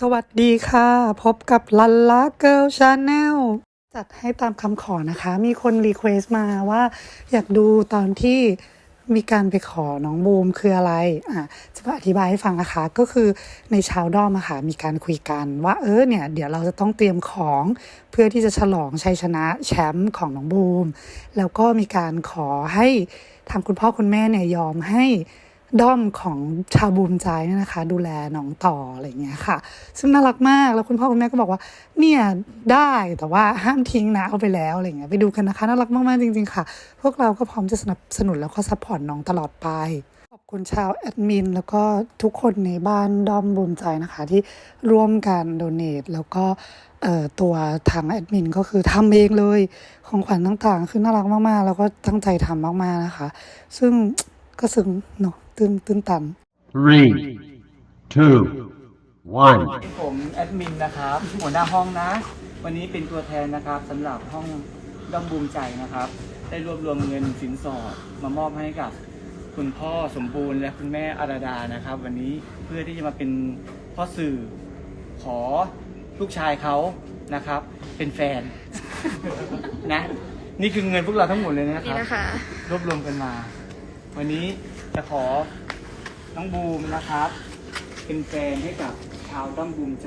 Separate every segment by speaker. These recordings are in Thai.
Speaker 1: สวัสดีค่ะพบกับลันล่าเกิร์ลชาแนลจัดให้ตามคำขอนะคะ มีคนรีเควสต์มาว่าอยากดูตอนที่มีการไปขอน้องบูมคืออะไรจะมาอธิบายให้ฟังนะคะก็คือในชาวด้อมอะค่ะมีการคุยกันว่าเนี่ยเดี๋ยวเราจะต้องเตรียมของเพื่อที่จะฉลองชัยชนะแชมป์ของน้องบูมแล้วก็มีการขอให้ทางคุณพ่อคุณแม่เนี่ยยอมให้ด้อมของชาวบูมใจเนี่ยนะคะดูแลน้องต่ออะไรอย่างเงี้ยค่ะซึ่งน่ารักมากแล้วคุณพ่อคุณแม่ก็บอกว่าเนี่ยได้แต่ว่าห้ามทิ้งนะเอาไปแล้วอะไรเงี้ยไปดูกันนะคะน่ารักมากๆจริงๆค่ะพวกเราก็พร้อมจะสนับสนุนแล้วก็ซัพพอร์ตน้องตลอดไปขอบคุณชาวแอดมินแล้วก็ทุกคนในบ้านด้อมบูมใจนะคะที่ร่วมกันโดเนทแล้วก็ตัวทางแอดมินก็คือทำเองเลยของขวัญต่างๆคือน่ารักมากๆแล้วก็ตั้งใจทำมากๆนะคะซึ่งก็ซึ้งเนาะตื้นตัน
Speaker 2: 3, 2, 1.
Speaker 3: ผมแอดมินนะครับหัวหน้าห้องนะ วันนี้เป็นตัวแทนนะครับสำหรับห้องด้อมบูมใจนะครับ ได้รวบรวมเงินสินสอดมามอบให้กับคุณพ่อสมบูรณ์และคุณแม่อาราดานะครับ วันนี้เพื่อที่จะมาเป็นพ่อสื่อขอลูกชายเขานะครับ เป็นแฟน นะนี่คือเงินพวกเราทั้งหมดเลยนะครับ
Speaker 4: นี่นะคะ
Speaker 3: รวบรวมกันมา วันนี้จะขอน้องบูมนะครับ เป็นแฟนให้กับชาวด้อมบูมใจ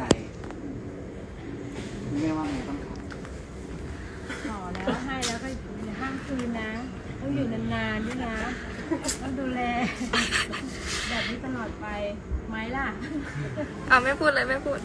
Speaker 3: คุณแม่ว่าไงบ้างครับ
Speaker 4: ขอแล้วให้แล้วก็อย่าห้ามคืนนะ ต้องอยู่นานๆด้วยนะ ต้องดูแล แบบนี้ตลอดไปไหมล่ะ
Speaker 5: เอาไม่พูดเลยไม่พูด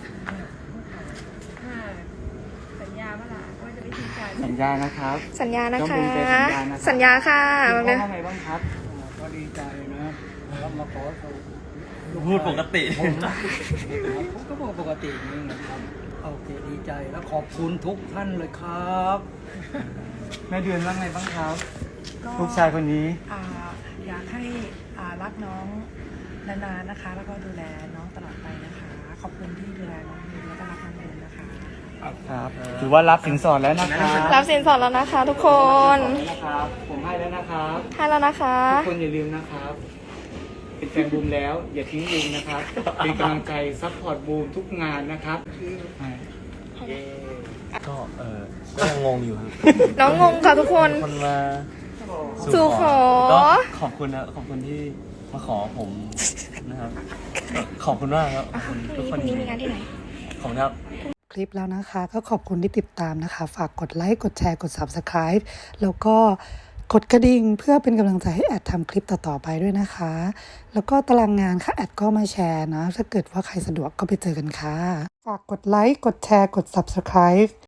Speaker 4: สัญญาเมื่อไหร่ว่าจะไม่ทิ้งกัน
Speaker 3: สัญญานะครับ
Speaker 5: สัญญานะ
Speaker 3: ต้อง
Speaker 5: คะ
Speaker 3: ภูมิใจสัญญานะครับ
Speaker 5: สัญญาค่ะ
Speaker 3: คุณพ่อว่าไงบ้างครับ
Speaker 6: ก็ดีใจนะแล้วมาขอเขา
Speaker 3: พูดปกติ
Speaker 6: ผมก็บอกปกตินี่นะครับโอเคดีใจแล้วขอบคุณทุกท่านเลยครับ
Speaker 3: แม่เดือนว่าไงบ้างครับ
Speaker 7: ก็
Speaker 3: ลูกชายคนนี้
Speaker 7: อยากให้รักน้องนานๆนะคะ แล้วก็ดูแลน้องตลอดไปนะคะ ขอบคุณที่ดูแลน้องดีแล้วก็รักน้องเองนะคะ
Speaker 3: ครับ ถือว่ารับสินสอดแล้วนะครับ
Speaker 5: รับสินสอดแล้วนะคะ ทุกคน
Speaker 3: นะครับ ผมให้แล้วนะครับ
Speaker 5: ให้แล้วนะคะ
Speaker 3: ทุกคนอย่าลืมนะครับ เป็นแฟนบูมแล้ว อย่าทิ้งบูมนะครับ เป็นกำลังใจซัพพอร์ตบูมทุกงานนะครับ
Speaker 8: ก็ยังงงอยู่ครับ
Speaker 5: น้องงงค่ะทุกคน
Speaker 8: คนมา
Speaker 5: สู่ขอ
Speaker 8: ก็ขอบคุณนะขอบคุณที่มาขอผมนะครับ ขอบคุณมากครับขอบคุณทุกคน
Speaker 5: พรุ่งนี้มีงานที่ไหน
Speaker 8: ขอบคุณครับ
Speaker 1: คลิปแล้วนะคะก็ขอบคุณที่ติดตามนะคะ ฝากกดไลค์กดแชร์กด Subscribe แล้วก็กดกระดิ่งเพื่อเป็นกำลังใจให้แอดทำคลิปต่อๆไปด้วยนะคะ แล้วก็ตารางงานค่ะแอดก็มาแชร์นะถ้าเกิดว่าใครสะดวกก็ไปเจอกันค่ะ ฝากกดไลค์กดแชร์กด Subscribe